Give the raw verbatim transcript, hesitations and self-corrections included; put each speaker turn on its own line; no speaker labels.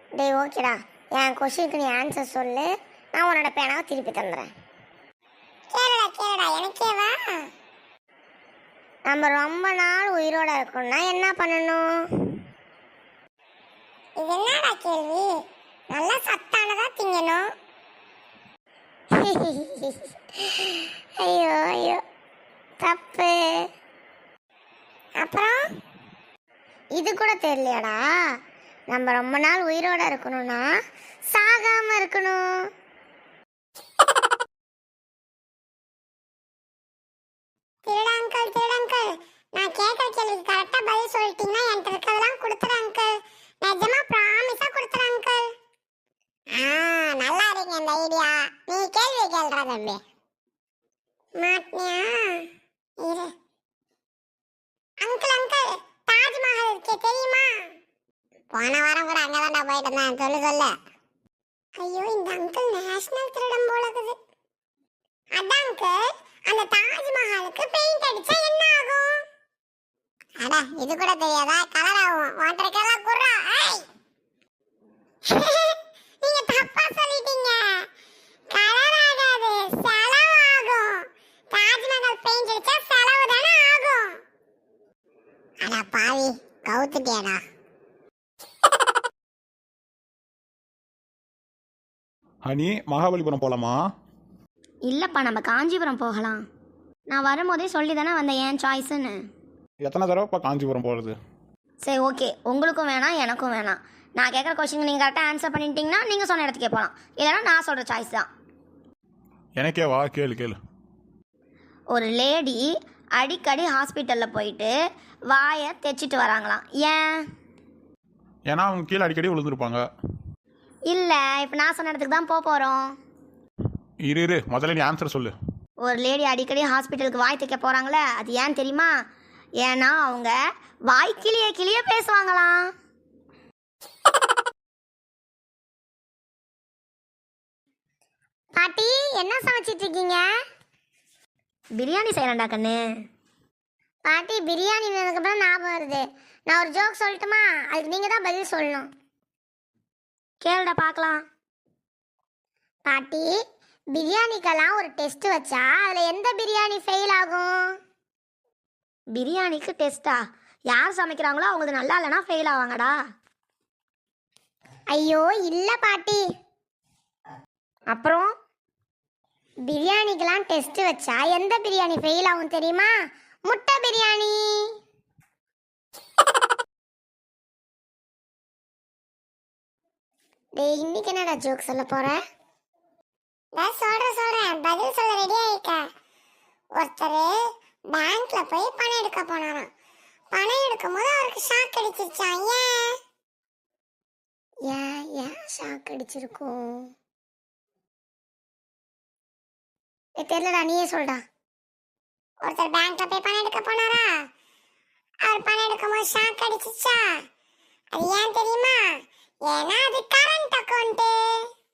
டேய் ஓகேடா, என் கொஷினுக்கு நீ ஆன்சர் சொல்லு, நான் உன்னோட பேனாவை திருப்பி தந்துடுறேன்.
கேளுடா கேளுடா, எனக்கேவா?
நம்ம ரொம்ப நாள் உயிரோட இருக்கணும்னா என்ன பண்ணணும்?
இது என்னடா கேள்வி? நல்லா சத்தானதா திங்கணும்.
ஐயோ ஐயோ, தப்பு.
அப்புறம்
இது கூட தெரியலையாடா? நம்ம ரொம்ப நாள் உயிரோட இருக்கணும்னா சாகாம இருக்கணும்.
திருட அங்கிள், திருட அங்கிள், நான் கேட்குற கேள்விக்கு கரெக்டாக பதில் சொல்லிட்டீங்கன்னா என்கிட்ட இருக்கிறதெல்லாம் கொடுத்துரு அங்கிள். நிஜமா ப்ராமிஸாக கொடுத்துரு அங்கிள். ஆ, நல்லா இருக்கீங்க இந்த ஐடியா. நீ கேள்வி கேள்றா தம்பி. மாட்டியா? இரு. அங்கிள் அங்கிள், தாஜ்மஹால் இருக்கே தெரியுமா? போன வாரம் கூட அங்கே தான்டா போயிட்டு இருந்தேன். சொல்லு சொல்லு. ஐயோ, இந்த அங்கிள் நேஷனல் திருடம் போல இருக்குது. அதான் அங்கிள், அந்த தாஜ்மஹாலுக்கு பெயிண்ட் அடிச்சா என்ன ஆகும்? அட, இது கூட தெரியாதா? கலர் ஆகும். வாட்டர் கலர் குர்ரா. ஏய், நீங்க தப்பா சொல்லிட்டீங்க. கலர் ஆகாது, செலவாகும். தாஜ்மஹால் பெயிண்ட் அடிச்சா செலவு தானே ஆகும். அட பாவி, கவுத்துட்டியாடா.
ஹனி, மகாபலிபுரம் போலாமா?
இல்லைப்பா, நம்ம காஞ்சிபுரம் போகலாம். நான் வரும்போதே சொல்லி தானே வந்தேன் என் சாய்ஸுன்னு.
எத்தனை தடவைப்பா காஞ்சிபுரம் போகிறது?
சரி ஓகே, உங்களுக்கும் வேணாம் எனக்கும் வேணாம். நான் கேட்குற கொஸ்டின் நீங்கள் கரெக்டாக ஆன்சர் பண்ணிட்டீங்கன்னா நீங்கள் சொன்ன இடத்துக்கே போகலாம். இல்லைன்னா நான் சொல்கிற சாய்ஸ் தான்.
எனக்கே வா, கேளு கேளு.
ஒரு லேடி அடிக்கடி ஹாஸ்பிட்டலில் போயிட்டு வாயை தைச்சிட்டு வராங்களாம். ஏன்?
ஏன்னா அவங்க கீழே அடிக்கடி விழுந்துருப்பாங்க.
இல்லை, இப்போ நான் சொன்ன இடத்துக்கு தான் போக போகிறோம்.
இரு இரு, முதல்ல நீ ஆன்சர் சொல்லு.
ஒரு லேடி அடிக்கடி ஹாஸ்பிட்டலுக்கு வாய் தைக்க போகிறாங்களே, அது ஏன் தெரியுமா? ஏன்னா அவங்க வாய் கிளிய கிளிய பேசுவாங்களாம்.
பாட்டி, என்ன சமைச்சிட்டு இருக்கீங்க?
பிரியாணி செய்யறேன்டா கண்ணு.
பாட்டி, பிரியாணி அப்புறம் ஞாபகம் வருது. நான் ஒரு ஜோக் சொல்லட்டுமா? அதுக்கு நீங்கள் தான் பதில் சொல்லணும்.
கேளுடா பார்க்கலாம்.
பாட்டி, பிரியாணிக்கெல்லாம் ஒரு டெஸ்ட் வச்சா அதில் எந்த பிரியாணி ஃபெயில் ஆகும்?
பிரியாணிக்கு டெஸ்ட்டா? யார் சமைக்கிறாங்களோ அவங்க நல்லா இல்லைனா ஃபெயில் ஆவாங்கடா.
ஐயோ இல்லை பாட்டி.
அப்புறம்
பிரியாணிக்கெல்லாம் டெஸ்ட் வச்சா எந்த பிரியாணி ஃபெயில் ஆகும் தெரியுமா? முட்டை பிரியாணி. டேய், இன்னைக்கு என்னடா ஜோக் சொல்ல போற?
நான் சொல்றேன் சொல்றேன், பதில் சொல்ல ரெடியா இருக்க. ஒருத்தர் பேங்க்ல போய் பணம் எடுக்க போனாராம். பணம் எடுக்கும் போது அவருக்கு ஷாக் அடிச்சிருச்சான். ஏன்?
ஏன் ஏன் ஷாக் அடிச்சிருக்கும்? தெரியலடா, நீயே சொல்டா.
ஒருத்தர் பேங்க்ல போய் பணம் எடுக்க போனாரா, அவர் பணம் எடுக்கும் போது ஷாக் அடிச்சிச்சா. அது ஏன் தெரியுமா? ஏன்னா அது கரண்ட் அக்கௌண்ட்.